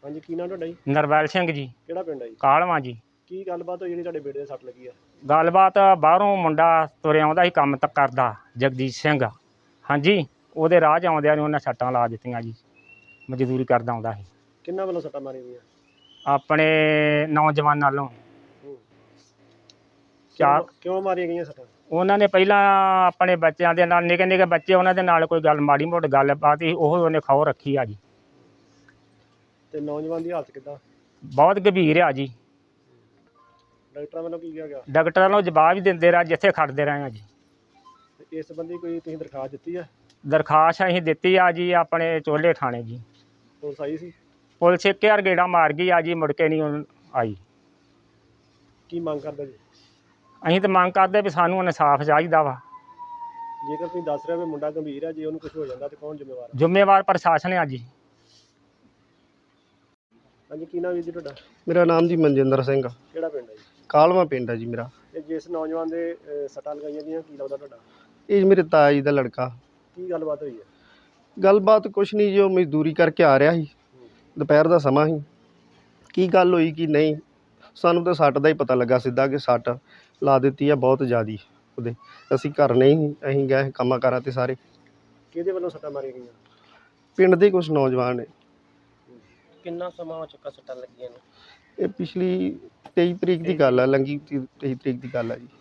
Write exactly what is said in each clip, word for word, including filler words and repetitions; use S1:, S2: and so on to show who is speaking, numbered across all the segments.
S1: ਹਾਂਜੀ, ਕੀ ਨਾਮ ਤੁਹਾਡਾ ਜੀ?
S2: ਨਰਵੈਲ ਸਿੰਘ ਜੀ।
S1: ਕਿਹੜਾ ਪਿੰਡ ਹੈ ਜੀ?
S2: ਕਾਲਵਾਂ ਜੀ।
S1: ਕੀ ਗੱਲਬਾਤ ਹੋਈ ਜਿਹੜੀ ਤੁਹਾਡੇ ਬੇਟੇ ਦੇ ਸੱਟ ਲੱਗੀ ਆ?
S2: ਗੱਲਬਾਤ ਬਾਹਰੋਂ ਮੁੰਡਾ ਤੁਰਿਆ ਆਉਂਦਾ ਸੀ ਕੰਮ ਤੱਕ ਕਰਦਾ ਜਗਦੀਸ਼ ਸਿੰਘ। ਹਾਂਜੀ, ਉਹਦੇ ਰਾਹ 'ਚ ਆਉਂਦਿਆਂ ਨੂੰ ਉਹਨੇ ਸੱਟਾਂ ਲਾ ਦਿੱਤੀਆਂ ਜੀ। ਮਜ਼ਦੂਰੀ ਕਰਦਾ ਆਉਂਦਾ ਸੀ।
S1: ਕਿੰਨਾਂ ਵੱਲੋਂ ਸੱਟਾਂ ਮਾਰੀਆਂ ਗਈਆਂ?
S2: ਆਪਣੇ ਨੌਜਵਾਨਾਂ ਵੱਲੋਂ।
S1: ਹੂੰ।
S2: ਚਾਰ
S1: ਕਿਉਂ ਕਿਉਂ ਮਾਰੀਆਂ ਗਈਆਂ ਸੱਟਾਂ?
S2: ਉਹਨਾਂ ਨੇ ਪਹਿਲਾਂ ਆਪਣੇ ਬੱਚਿਆਂ ਦੇ ਨਾਲ ਨਿੱਕੇ ਨਿੱਕੇ ਬੱਚੇ ਉਹਨਾਂ ਦੇ ਨਾਲ ਕੋਈ ਗੱਲ ਮਾੜੀ ਮੋਟੀ ਗੱਲਬਾਤ ਸੀ, ਉਹ ਉਹਨੇ ਖੌ ਰੱਖੀ ਆ ਜੀ।
S1: ਤੇ ਨੌਜਵਾਨ ਦੀ ਹਾਲਤ ਕਿੱਦਾਂ?
S2: ਬਹੁਤ ਗੰਭੀਰ ਆ ਜੀ।
S1: ਡਾਕਟਰਾਂ ਵੱਲੋਂ ਕੀ ਕਿਹਾ ਗਿਆ?
S2: ਡਾਕਟਰਾਂ ਨੂੰ ਜਵਾਬ ਹੀ ਦਿੰਦੇ ਰਹੇ, ਜਿੱਥੇ ਖੜਦੇ ਰਹੇ ਆ ਜੀ।
S1: ਤੇ ਇਸ ਸੰਬੰਧੀ ਕੋਈ ਤੁਸੀਂ ਦਰਖਾਸਤ ਦਿੱਤੀ ਆ?
S2: ਦਰਖਾਸਤ ਅਸੀਂ ਦਿੱਤੀ ਆ ਜੀ ਆਪਣੇ ਚੋਲੇ ਥਾਣੇ ਜੀ।
S1: ਪੁਲਿਸ ਆਈ ਸੀ?
S2: ਪੁਲਿਸ ਇੱਕ ਹਜ਼ਾਰ ਗੇੜਾ ਮਾਰ ਗਈ ਆ ਜੀ, ਮੁੜ ਕੇ ਨਹੀਂ ਉਹ ਆਈ।
S1: ਕੀ ਮੰਗ ਕਰਦਾ ਜੀ?
S2: ਅਸੀਂ ਤਾਂ ਮੰਗ ਕਰਦੇ ਵੀ ਸਾਨੂੰ ਇਨਸਾਫ ਚਾਹੀਦਾ ਵਾ।
S1: ਜੇਕਰ ਤੁਸੀਂ ਦੱਸ ਰਹੇ ਹੋ ਵੀ ਮੁੰਡਾ ਗੰਭੀਰ ਆ, ਜੇ ਉਹਨੂੰ ਕੁਝ ਹੋ ਜਾਂਦਾ ਤੇ ਕੌਣ ਜ਼ਿੰਮੇਵਾਰ ਆ?
S2: ਜ਼ਿੰਮੇਵਾਰ ਪ੍ਰਸ਼ਾਸਨ ਆ ਜੀ।
S1: ਹਾਂਜੀ, ਕੀ ਨਾਮ ਵੀਰ ਜੀ ਤੁਹਾਡਾ?
S3: ਮੇਰਾ ਨਾਮ ਜੀ ਮਨਜਿੰਦਰ ਸਿੰਘ।
S1: ਕਿਹੜਾ ਪਿੰਡ ਹੈ ਜੀ?
S3: ਕਾਲਵਾ ਪਿੰਡ ਹੈ ਜੀ ਮੇਰਾ।
S1: ਤੇ ਜਿਸ ਨੌਜਵਾਨ ਦੇ ਅਹ, ਸੱਟਾਂ ਲਗਾਈਆਂ ਗਈਆਂ, ਕੀ ਲੱਗਦਾ ਤੁਹਾਡਾ?
S3: ਇਹ ਮੇਰੇ ਤਾਇਆ ਜੀ ਦਾ ਲੜਕਾ।
S1: ਕੀ ਗੱਲਬਾਤ ਹੋਈ ਹੈ?
S3: ਗੱਲਬਾਤ ਕੁਛ ਨਹੀਂ ਜੀ, ਉਹ ਮਜ਼ਦੂਰੀ ਕਰਕੇ ਆ ਰਿਹਾ ਸੀ। ਦੁਪਹਿਰ ਦਾ ਸਮਾਂ ਸੀ। ਕੀ ਗੱਲ ਹੋਈ ਕੀ ਨਹੀਂ, ਸਾਨੂੰ ਤਾਂ ਸੱਟ ਦਾ ਹੀ ਪਤਾ ਲੱਗਾ ਸਿੱਧਾ ਕਿ ਸੱਟ ਲਾ ਦਿੱਤੀ ਆ ਬਹੁਤ ਜ਼ਿਆਦੀ ਉਹਦੇ। ਅਸੀਂ ਘਰ ਨਹੀਂ ਸੀ, ਅਸੀਂ ਗਏ ਕੰਮਾਂ ਕਾਰਾਂ 'ਤੇ ਸਾਰੇ।
S1: ਕਿਹਦੇ ਵੱਲੋਂ ਸੱਟਾਂ ਮਾਰੀਆਂ ਗਈਆਂ?
S3: ਪਿੰਡ ਦੇ ਕੁਛ ਨੌਜਵਾਨ ਨੇ।
S1: ਕਿੰਨਾ ਸਮਾਂ ਹੋ ਚੁੱਕਾ ਸੱਟਾਂ ਲੱਗੀਆਂ ਨੇ?
S3: ਇਹ ਪਿਛਲੀ ਤੇਈ ਤਰੀਕ ਦੀ ਗੱਲ ਆ, ਲੰਘੀ ਤੇਈ ਤਰੀਕ ਦੀ ਗੱਲ ਆ ਜੀ।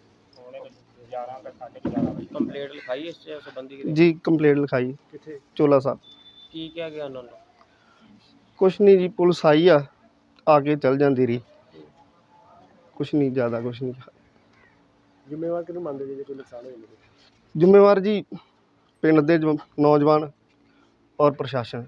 S1: ਕੰਪਲੇਂਟ ਲਿਖਾਈ ਇਸ ਸੰਬੰਧੀ?
S3: ਜੀ ਕੰਪਲੇਂਟ ਲਿਖਾਈ।
S1: ਕਿੱਥੇ?
S3: ਚੋਲਾ ਸਾਹਿਬ।
S1: ਕੀ ਕਿਹਾ ਗਿਆ ਉਹਨਾਂ ਨੂੰ?
S3: ਕੁਛ ਨਹੀਂ ਜੀ, ਪੁਲਿਸ ਆਈ ਆ, ਆ ਕੇ ਚਲ ਜਾਂਦੀ ਰਹੀ। ਕੁਛ ਨਹੀਂ ਜ਼ਿਆਦਾ, ਕੁਛ ਨਹੀਂ।
S1: ਜ਼ਿੰਮੇਵਾਰ ਕਿਹਨੂੰ ਮੰਨਦੇ ਜੀ ਜੇ ਕੋਈ ਨੁਕਸਾਨ ਹੋ ਜਾਂਦਾ?
S3: ਜ਼ਿੰਮੇਵਾਰ ਜੀ ਪਿੰਡ ਦੇ ਜੋ ਨੌਜਵਾਨ ਔਰ ਪ੍ਰਸ਼ਾਸਨ।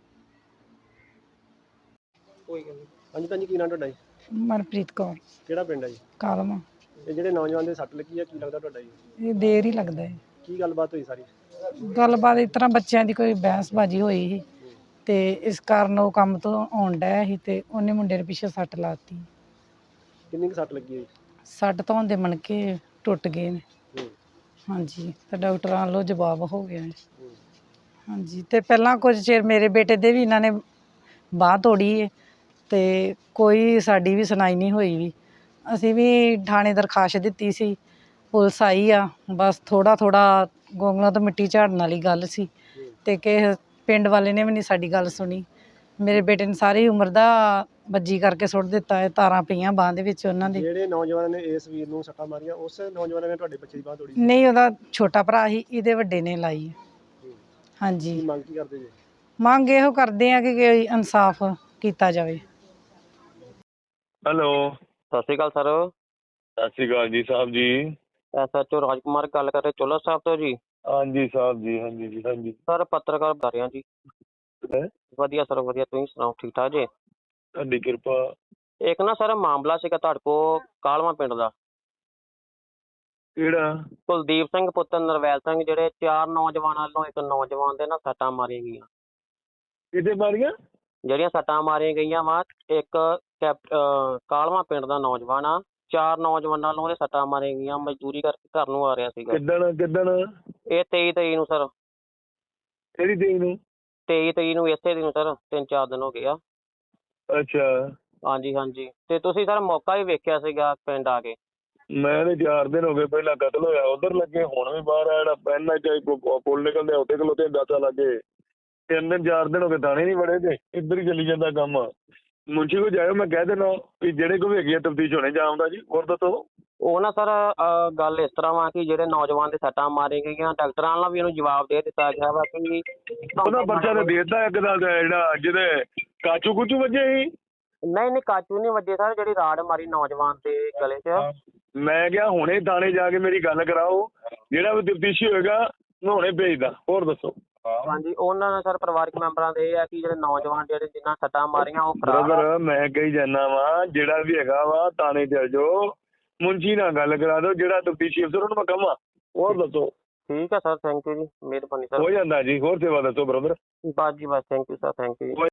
S1: ਕੋਈ ਗੱਲ ਨਹੀਂ। ਹਾਂਜੀ ਭੈਣ ਜੀ, ਕੀ ਨਾਮ ਤੁਹਾਡਾ ਜੀ?
S4: ਮਨਪ੍ਰੀਤ ਕੌਰ।
S1: ਕਿਹੜਾ ਪਿੰਡ ਹੈ ਜੀ?
S4: ਕਾਲਮਾ।
S1: ਇਹ ਜਿਹੜੇ ਨੌਜਵਾਨ ਦੇ ਸੱਟ ਲੱਗੀ ਆ, ਕੀ ਲੱਗਦਾ ਤੁਹਾਡਾ ਜੀ?
S4: ਇਹ ਦੇਰ ਹੀ ਲੱਗਦਾ ਹੈ।
S1: ਕੀ ਗੱਲਬਾਤ ਹੋਈ ਸਾਰੀ?
S4: ਗੱਲਬਾਤ ਇਸ ਤਰ੍ਹਾਂ ਬੱਚਿਆਂ ਦੀ ਕੋਈ ਬਹਿਸਬਾਜ਼ੀ ਹੋਈ ਸੀ ਤੇ ਇਸ ਕਾਰਨ ਉਹ ਕੰਮ ਤੋਂ ਆਉਣ ਡਿਆ ਸੀ ਤੇ ਉਹਨੇ ਮੁੰਡੇ ਦੇ ਪਿੱਛੇ ਸੱਟ ਲਾਤੀ।
S1: ਕਿੰਨੀ ਕੁ ਸੱਟ ਲੱਗੀ ਹੈ?
S4: ਸੱਟ ਤੋਂ ਦੇ ਮਣਕੇ ਟੁੱਟ ਗਏ ਨੇ।
S1: ਹੂੰ।
S4: ਹਾਂਜੀ, ਤੇ ਡਾਕਟਰਾਂ ਵੱਲੋਂ ਜਵਾਬ ਹੋ ਗਿਆ ਹੈ।
S1: ਹੂੰ।
S4: ਹਾਂਜੀ, ਤੇ ਪਹਿਲਾਂ ਕੁਝ ਚਿਰ ਮੇਰੇ ਬੇਟੇ ਦੇ ਵੀ ਇਹਨਾਂ ਨੇ ਬਾਂਹ ਤੋੜੀ ਹੈ ਤੇ ਕੋਈ ਸਾਡੀ ਵੀ ਸੁਣਾਈ ਨਹੀਂ ਹੋਈ ਵੀ। ਅਸੀਂ ਵੀ ਥਾਣੇ ਦਰਖਾਸਤ ਦਿੱਤੀ ਸੀ, ਪੁਲਿਸ ਆਈ ਆ, ਬਸ ਥੋੜ੍ਹਾ ਥੋੜ੍ਹਾ ਗੋਂਗਲਾਂ ਤੋਂ ਮਿੱਟੀ ਝਾੜਨ ਵਾਲੀ ਗੱਲ ਸੀ ਤੇ ਕਿਸੇ ਪਿੰਡ ਵਾਲੇ ਨੇ ਵੀ ਨਹੀਂ ਸਾਡੀ ਗੱਲ ਸੁਣੀ। ਮੇਰੇ ਬੇਟੇ ਨੇ ਸਾਰੀ ਉਮਰ ਦਾ ਬੱਜੀ ਕਰਕੇ ਸੁੱਟ ਦਿੱਤਾ ਹੈ, ਤਾਰਾਂ ਪਈਆਂ ਬਾਂਹ ਦੇ ਵਿੱਚ ਉਹਨਾਂ ਦੇ।
S1: ਜਿਹੜੇ ਨੌਜਵਾਨਾਂ ਨੇ ਇਸ ਵੀਰ ਨੂੰ ਸੱਟਾਂ ਮਾਰੀਆਂ, ਉਸ ਨੌਜਵਾਨਾਂ ਨੇ ਤੁਹਾਡੇ ਬੱਚੇ ਦੀ ਬਾਂਹ ਤੋੜੀ?
S4: ਨਹੀਂ, ਉਹਦਾ ਛੋਟਾ ਭਰਾ ਸੀ, ਇਹਦੇ ਵੱਡੇ ਨੇ ਲਾਈ ਹੈ।
S1: ਹੂੰ।
S4: ਹਾਂਜੀ,
S1: ਕੀ ਮੰਗ ਕੀ ਕਰਦੇ ਜੀ?
S4: ਮੰਗ ਇਹੋ ਕਰਦੇ ਆ ਕਿ ਕੋਈ ਇਨਸਾਫ ਕੀਤਾ ਜਾਵੇ।
S5: ਹੈਲੋ,
S6: ਸਤਿ ਸ਼੍ਰੀ ਅਕਾਲ ਸਰ।
S5: ਸਤਿ ਸ਼੍ਰੀ ਅਕਾਲ ਜੀ ਸਾਹਿਬ ਜੀ।
S6: ਐਸ ਐਚ ਓ ਰਾਜਕੁਮਾਰ ਗੱਲ ਕਰ ਰਹੇ ਚੋਲਾ ਸਾਹਿਬ ਤੋਂ ਜੀ।
S5: ਹਾਂਜੀ ਸਾਹਿਬ ਜੀ, ਹਾਂਜੀ ਜੀ, ਹਾਂਜੀ।
S6: ਸਰ ਪੱਤਰਕਾਰ ਬਤਾ ਰਿਹਾ ਜੀ।
S5: ਹੈਂ?
S6: ਵਧੀਆ ਸਰ ਵਧੀਆ, ਤੁਸੀਂ ਸੁਣਾਓ ਠੀਕ ਠਾਕ ਜੀ?
S5: ਤੁਹਾਡੀ ਕਿਰਪਾ।
S6: ਇੱਕ ਨਾ ਸਰ ਮਾਮਲਾ ਸੀਗਾ ਤੁਹਾਡੇ ਕੋਲ ਕਾਲਵਾ ਪਿੰਡ ਦਾ।
S5: ਕਿਹੜਾ?
S6: ਕੁਲਦੀਪ ਸਿੰਘ ਪੁੱਤਰ ਨਰਵੈਲ ਸਿੰਘ, ਜਿਹੜੇ ਚਾਰ ਨੌਜਵਾਨਾਂ ਵੱਲੋਂ ਇੱਕ ਨੌਜਵਾਨ ਦੇ ਨਾ ਸੱਟਾਂ ਮਾਰੀਆਂ ਗਈਆਂ।
S5: ਕਿਤੇ ਮਾਰੀਆਂ?
S6: ਜਿਹੜੀਆਂ ਸੱਟਾਂ ਮਾਰੀਆਂ ਗਈਆਂ ਵਾ, ਇੱਕ ਕੈਪ ਕਾਲਵਾ ਪਿੰਡ ਦਾ ਨੌਜਵਾਨ ਆ, ਚਾਰ ਨੌਜਵਾਨਾਂ ਵੱਲੋਂ ਉਹਦੇ ਸੱਟਾਂ ਮਾਰੀਆਂ ਗਈਆਂ। ਮਜ਼ਦੂਰੀ ਕਰਕੇ ਘਰ ਨੂੰ ਆ ਰਿਹਾ ਸੀਗਾ।
S5: ਕਿੱਦਣ ਕਿੱਦਣ?
S6: ਇਹ ਤੇਈ ਤਰੀਕ ਨੂੰ ਸਰ।
S5: ਕਿਹੜੀ ਤਰੀਕ ਨੂੰ?
S6: ਤੇਈ ਤਰੀਕ ਨੂੰ ਇਸੇ ਦਿਨ ਸਰ, ਤਿੰਨ ਚਾਰ ਦਿਨ ਹੋ ਗਏ ਆ।
S5: ਅੱਛਾ।
S6: ਹਾਂਜੀ ਹਾਂਜੀ, ਤੇ ਤੁਸੀਂ ਸਰ ਮੌਕਾ ਵੀ ਵੇਖਿਆ ਸੀਗਾ ਪਿੰਡ ਆ ਕੇ?
S5: ਮੈਂ ਤੇ ਚਾਰ ਦਿਨ ਹੋ ਗਏ, ਪਹਿਲਾਂ ਕਤਲ ਹੋਇਆ ਉਧਰ ਲੱਗੇ, ਹੁਣ ਵੀ ਬਾਹਰ ਆ ਜਿਹੜਾ ਪੈਨ ਪੁੱਲ ਨਿਕਲਦੇ ਉੱਥੇ ਖਲੋਤੇ ਦਾਤਾ ਲੱਗੇ। ਤਿੰਨ ਦਿਨ ਚਾਰ ਦਿਨ ਹੋ ਗਏ ਥਾਣੇ ਨਹੀਂ ਵੜੇ ਤੇ ਇੱਧਰ ਹੀ ਚੱਲੀ ਜਾਂਦਾ ਕੰਮ। ਮੁੰਸ਼ੀ ਕੋ ਜਾਇਓ, ਮੈਂ ਕਹਿ ਦੇਣਾ ਵੀ ਜਿਹੜੇ ਕੋਲ ਹੈਗੀ ਆ ਤਫਤੀਸ਼ ਹੋਣੇ ਜਾਉਂਦਾ ਜੀ। ਹੋਰ ਦੱਸੋ।
S6: ਉਹ ਨਾ ਸਰ ਗੱਲ ਇਸ ਤਰ੍ਹਾਂ ਵਾ ਕਿ ਜਿਹੜੇ ਨੌਜਵਾਨ ਦੇ ਸੱਟਾਂ ਮਾਰੀਆਂ ਗਈਆਂ, ਡਾਕਟਰਾਂ ਨਾਲ ਵੀ ਉਹਨੂੰ ਜਵਾਬ ਦੇ ਦਿੱਤਾ ਗਿਆ ਵਾ ਕਿ
S5: ਉਹਦਾ ਪਰਚਾ ਤਾਂ ਦੇ ਦਿੱਤਾ ਇੱਕ ਦਾ, ਜਿਹੜਾ ਜਿਹਦੇ ਕਾਚੂ ਕੁਚੂ ਵੱਜੇ ਸੀ।
S6: ਨਹੀਂ ਨਹੀਂ, ਕਾਚੂ ਨਹੀਂ ਵੱਜੇ ਸਰ, ਜਿਹੜੀ ਰਾੜ ਮਾਰੀ ਨੌਜਵਾਨ ਦੇ ਗਲੇ 'ਚ।
S5: ਮੈਂ ਕਿਹਾ ਹੁਣੇ ਥਾਣੇ ਜਾ ਕੇ ਮੇਰੀ ਗੱਲ ਕਰਾਓ, ਜਿਹੜਾ ਵੀ ਤਫਤੀਸ਼ੀ ਹੋਏਗਾ ਮੈਂ ਹੁਣੇ ਭੇਜਦਾ। ਹੋਰ ਦੱਸੋ।
S6: ਹਾਂਜੀ, ਉਹਨਾਂ ਨੇ ਸਰ ਪਰਿਵਾਰਕ ਮੈਂਬਰਾਂ ਦੇ ਇਹ ਆ ਕਿ ਜਿਹੜੇ ਨੌਜਵਾਨ ਜਿਹੜੇ ਜਿਨ੍ਹਾਂ ਸੱਟਾਂ ਮਾਰੀਆਂ ਉਹ
S5: ਬ੍ਰਦਰ, ਮੈਂ ਕਹੀ ਜਾਂਦਾ ਵਾ ਜਿਹੜਾ ਵੀ ਹੈਗਾ ਵਾ ਥਾਣੇ ਚੱਲ ਜਾਓ, ਮੁੰਸ਼ੀ ਨਾਲ ਗੱਲ ਕਰਾ ਦਿਓ, ਜਿਹੜਾ ਤਫਤੀਸ਼ੀ ਅਫਸਰ ਉਹਨੂੰ ਮੈਂ ਕਹਾਂ। ਹੋਰ ਦੱਸੋ।
S6: ਠੀਕ ਹੈ ਸਰ, ਥੈਂਕ ਯੂ ਜੀ, ਮਿਹਰਬਾਨੀ ਸਰ।
S5: ਹੋ ਜਾਂਦਾ ਜੀ। ਹੋਰ ਸੇਵਾ ਦੱਸੋ ਬ੍ਰਦਰ।
S6: ਬਸ ਜੀ ਬਸ, thank you sir, thank you.